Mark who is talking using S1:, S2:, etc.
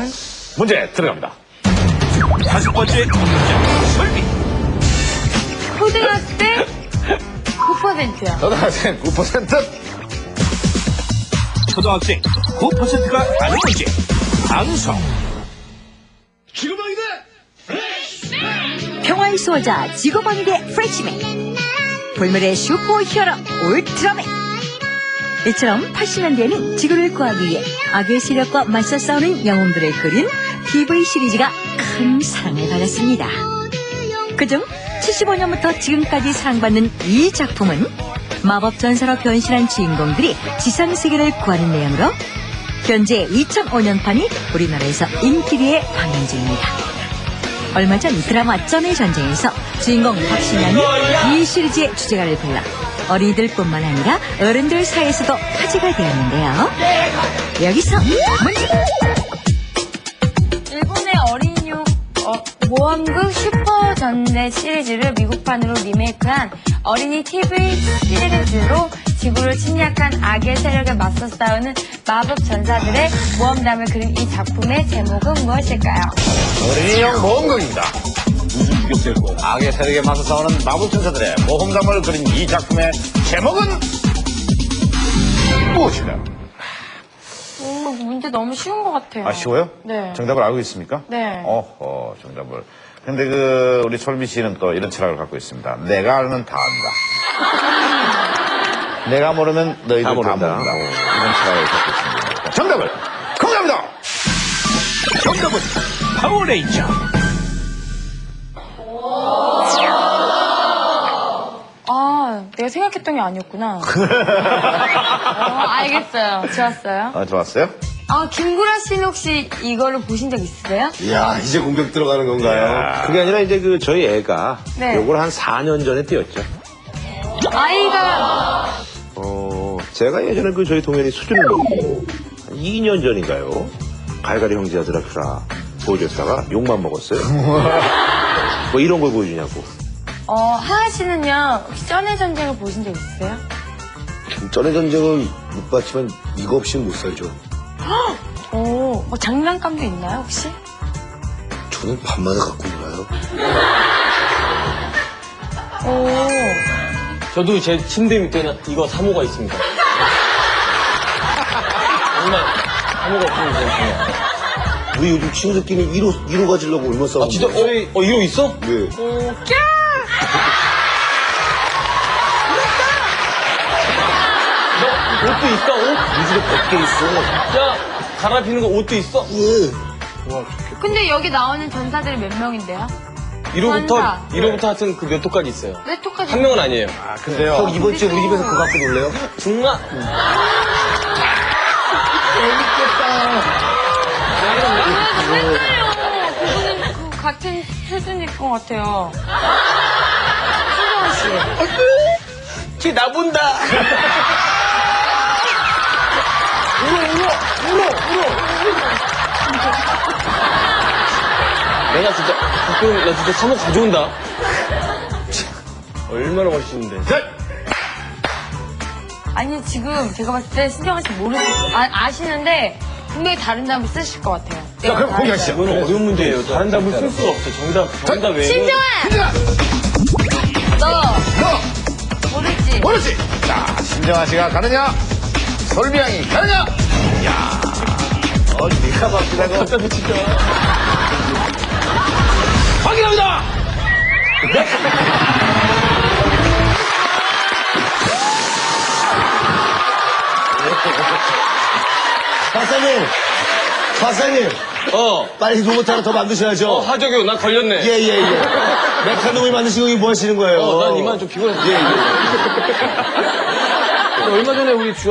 S1: 나온
S2: 문제 들어갑니다.
S3: 5번째 문제. 설비.
S1: 초등학생 9%야.
S2: 초등학생 9%.
S3: 초등학생 9%가 아는 문제. 방송.
S2: 지구방위대
S4: 평화의 수호자 지구방위대 프레시맨, 불멸의 슈퍼히어로 울트라맨. 이처럼 80년대에는 지구를 구하기 위해 악의 세력과 맞서 싸우는 영웅들을 그린 TV 시리즈가 큰 사랑을 받았습니다. 그중 75년부터 지금까지 사랑받는 이 작품은 마법 전사로 변신한 주인공들이 지상세계를 구하는 내용으로 현재 2005년판이 우리나라에서 인기리에 방영 중입니다. 얼마 전 드라마 점의 전쟁에서 주인공 박신양이 이 시리즈의 주제가를 불러 어린이들뿐만 아니라 어른들 사이에서도 화제가 되었는데요. 여기서 문제.
S1: 일본의 어린이용 모험극 슈퍼전대 시리즈를 미국판으로 리메이크한 어린이 TV 시리즈로 지구를 침략한 악의 세력에 맞서 싸우는 마법 전사들의 모험담을 그린 이 작품의 제목은 무엇일까요?
S2: 어린이용 모험극입니다. 악의 세력에 맞서 싸우는 마법천사들의 모험담을 그린 이 작품의 제목은 무엇일까요?
S1: 문제 너무 쉬운 것 같아요.
S2: 아, 쉬워요?
S1: 네.
S2: 정답을 알고 있습니까?
S1: 네.
S2: 어허, 정답을. 근데 우리 솔미 씨는 또 이런 철학을 갖고 있습니다. 내가 알면 다 안다. 내가 모르면 너희들 다 모른다. 이런 철학을 갖고 있습니다. 정답을 공개합니다.
S3: 정답은 파워레인저.
S1: 아, 내가 생각했던 게 아니었구나. 알겠어요. 좋았어요.
S2: 좋았어요?
S1: 아, 김구라 씨는 혹시 이거를 보신 적 있으세요?
S5: 이야, 이제 공격 들어가는 건가요?
S6: 그게 아니라 이제 저희 애가
S1: 네.
S6: 요걸 한 4년 전에 띄웠죠.
S1: 아이가
S6: 제가 예전에 저희 동현이 수준을 먹고 한 2년 전인가요? 갈갈이 형제야 드라큘라 보여줬다가 욕만 먹었어요. 뭐 이런 걸 보여주냐고.
S1: 하하 씨는요, 혹시 쩐의 전쟁을 보신 적 있으세요?
S5: 전의 전쟁을 못 봤지만 이거 없이는 못 살죠.
S1: 오, 장난감도 있나요, 혹시?
S5: 저는 밤마다 갖고 놀아요.
S1: 오,
S7: 저도 제 침대 밑에는 이거 사모가 있습니다. 정말 사모가 없으면 되겠네요.
S5: 우리 요즘 친구들끼리 1호 가지려고 얼마 싸우는데.
S7: 아 진짜? 이거 있어?
S5: 네.
S7: 옷도 있어? 옷?
S5: 우리 집에 100개 있어.
S7: 야, 갈아입히는 거 옷도 있어?
S5: 예.
S1: 근데 여기 나오는 전사들이 몇 명인데요?
S7: 1호부터 하여튼 그 몇 호까지 있어요.
S1: 몇 호까지?
S7: 한 명은 아니에요.
S2: 근데요.
S5: 형, 이번 주에 우리 집에서 그거 갖고 놀래요?
S7: 정말?
S1: 헷갈려. 그분은 그 같은 수준일 것 같아요. 신정아 씨.
S7: 쟤 나 본다. 내가 진짜 가끔 나 진짜 사모 가져온다. 얼마나 멋있는데.
S1: 아니, 지금 제가 봤을 때 신정아 씨 아시는데 분명히 다른 답을 쓰실 것 같아요.
S2: 자, 그럼 공개하시죠.
S7: 이건 어려운 문제예요. 다른 답을 쓸 수가 없어. 정답 외에.
S1: 신정아! 너 모르지?
S2: 모르지? 자, 신정아 씨가 가느냐? 솔미 양이 가느냐? 야, 네가 바뀌다고.
S7: 답답해 진짜.
S2: 확인합니다!
S5: 박사님, 빨리 로봇 하나 더 만드셔야죠.
S7: 하적이요. 나 걸렸네.
S5: 예. 메카노미 만드시고 이거 뭐 하시는 거예요?
S7: 난 이만 좀 피곤했어.
S5: 예.
S7: 얼마 전에 우리